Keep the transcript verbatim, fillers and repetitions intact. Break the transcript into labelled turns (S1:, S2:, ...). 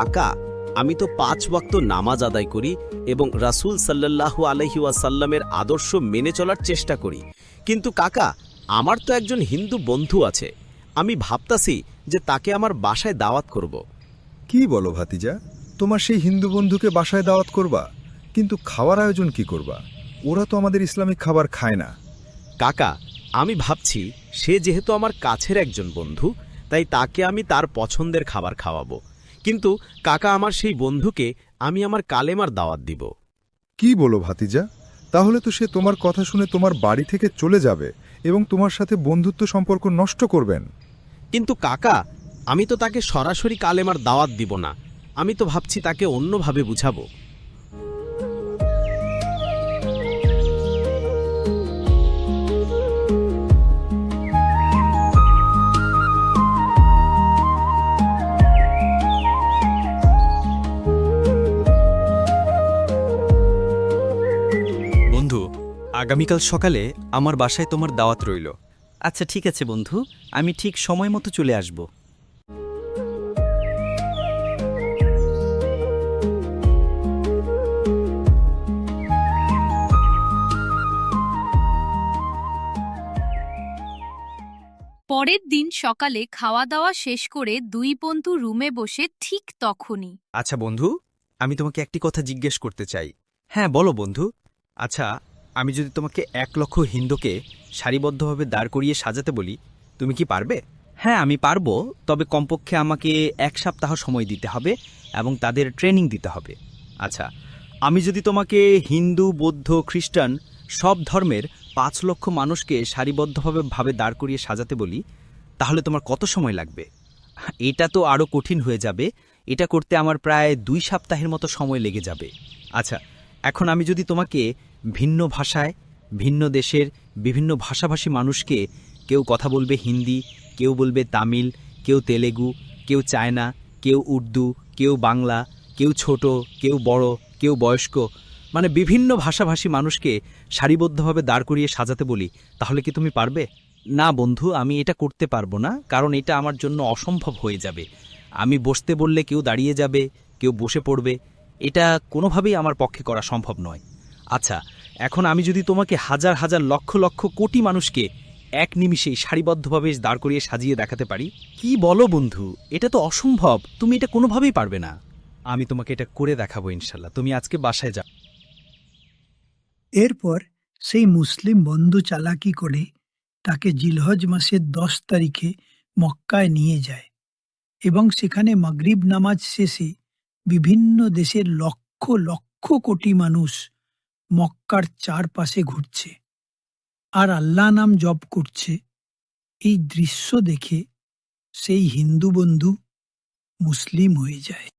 S1: কাকা, আমি তো পাঁচ ওয়াক্ত নামাজ আদায় করি এবং রাসূল সাল্লাল্লাহু আলাইহি ওয়াসাল্লামের আদর্শ মেনে চলার চেষ্টা করি, কিন্তু কাকা, আমার তো একজন হিন্দু বন্ধু আছে। আমি ভাবতাছি যে তাকে আমার বাসায় দাওয়াত করব।
S2: কি বলো ভাতিজা, তোমার সেই হিন্দু বন্ধুকে বাসায় দাওয়াত করবা? কিন্তু খাওয়ার আয়োজন কি করবা? ওরা তো আমাদের ইসলামিক খাবার খায় না।
S1: কাকা, আমি ভাবছি সে যেহেতু আমার কাছের একজন বন্ধু, তাই তাকে আমি তার পছন্দের খাবার খাওয়াবো। কিন্তু কাকা, আমার সেই বন্ধুকে আমি আমার কালেমার দাওয়াত দিব।
S2: কি বলো ভাতিজা, তাহলে তো সে তোমার কথা শুনে তোমার বাড়ি থেকে চলে যাবে এবং তোমার সাথে বন্ধুত্ব সম্পর্ক নষ্ট করবেন।
S1: কিন্তু কাকা, আমি তো তাকে সরাসরি কালেমার দাওয়াত দিব না। আমি তো ভাবছি তাকে অন্যভাবে বুঝাবো।
S3: বন্ধু, আগামীকাল সকালে আমার বাসায় তোমার দাওয়াত রইল।
S4: আচ্ছা ঠিক আছে বন্ধু, আমি ঠিক সময় মতো চলে আসব।
S5: পরের দিন সকালে খাওয়া দাওয়া শেষ করে দুই বন্ধু রুমে বসে ঠিক তখনই।
S3: আচ্ছা বন্ধু, আমি তোমাকে একটি কথা জিজ্ঞেস করতে চাই। হ্যাঁ বলো বন্ধু। আচ্ছা, আমি যদি তোমাকে এক লক্ষ হিন্দুকে সারিবদ্ধভাবে দাঁড় করিয়ে সাজাতে বলি, তুমি কি পারবে?
S4: হ্যাঁ আমি পারবো, তবে কমপক্ষে আমাকে এক সপ্তাহ সময় দিতে হবে এবং তাদের ট্রেনিং দিতে হবে।
S3: আচ্ছা, আমি যদি তোমাকে হিন্দু, বৌদ্ধ, খ্রিস্টান সব ধর্মের পাঁচ লক্ষ মানুষকে সারিবদ্ধভাবে ভাবে দাঁড় করিয়ে সাজাতে বলি, তাহলে তোমার কত সময় লাগবে?
S4: এটা তো আরও কঠিন হয়ে যাবে। এটা করতে আমার প্রায় দুই সপ্তাহের মতো সময় লেগে যাবে।
S3: আচ্ছা, এখন আমি যদি তোমাকে ভিন্ন ভাষায়, ভিন্ন দেশের বিভিন্ন ভাষাভাষী মানুষকে, কেউ কথা বলবে হিন্দি, কেউ বলবে তামিল, কেউ তেলেগু, কেউ চায়না, কেউ উর্দু, কেউ বাংলা, কেউ ছোট, কেউ বড়, কেউ বয়স্ক, মানে বিভিন্ন ভাষাভাষী মানুষকে সারিবদ্ধভাবে দাঁড় করিয়ে সাজাতে বলি, তাহলে কি তুমি পারবে?
S4: না বন্ধু, আমি এটা করতে পারবো না, কারণ এটা আমার জন্য অসম্ভব হয়ে যাবে। আমি বসতে বললে কেউ দাঁড়িয়ে যাবে, কেউ বসে পড়বে। এটা কোনোভাবেই আমার পক্ষে করা সম্ভব নয়।
S3: আচ্ছা, এখন আমি যদি তোমাকে হাজার হাজার লক্ষ লক্ষ কোটি মানুষকে এক নিমিষেই সারিবদ্ধভাবে দাঁড় করিয়ে সাজিয়ে দেখাতে পারি?
S4: কি বলো বন্ধু, এটা তো অসম্ভব। তুমি এটা কোনোভাবেই পারবে না।
S3: আমি তোমাকে এটা করে দেখাবো ইনশাল্লাহ। তুমি আজকে বাসায় যাও।
S6: এরপর সেই মুসলিম বন্ধু চালাকি করে তাকে জিলহজ মাসের দশ তারিখে মক্কায় নিয়ে যায় এবং সেখানে মাগরিব নামাজ শেষে বিভিন্ন দেশের লক্ষ লক্ষ কোটি মানুষ মক্কার চারপাশে ঘুরছে আর আল্লাহ নাম জপ করছে। এই দৃশ্য দেখে সেই হিন্দু বন্ধু মুসলিম হয়ে যায়।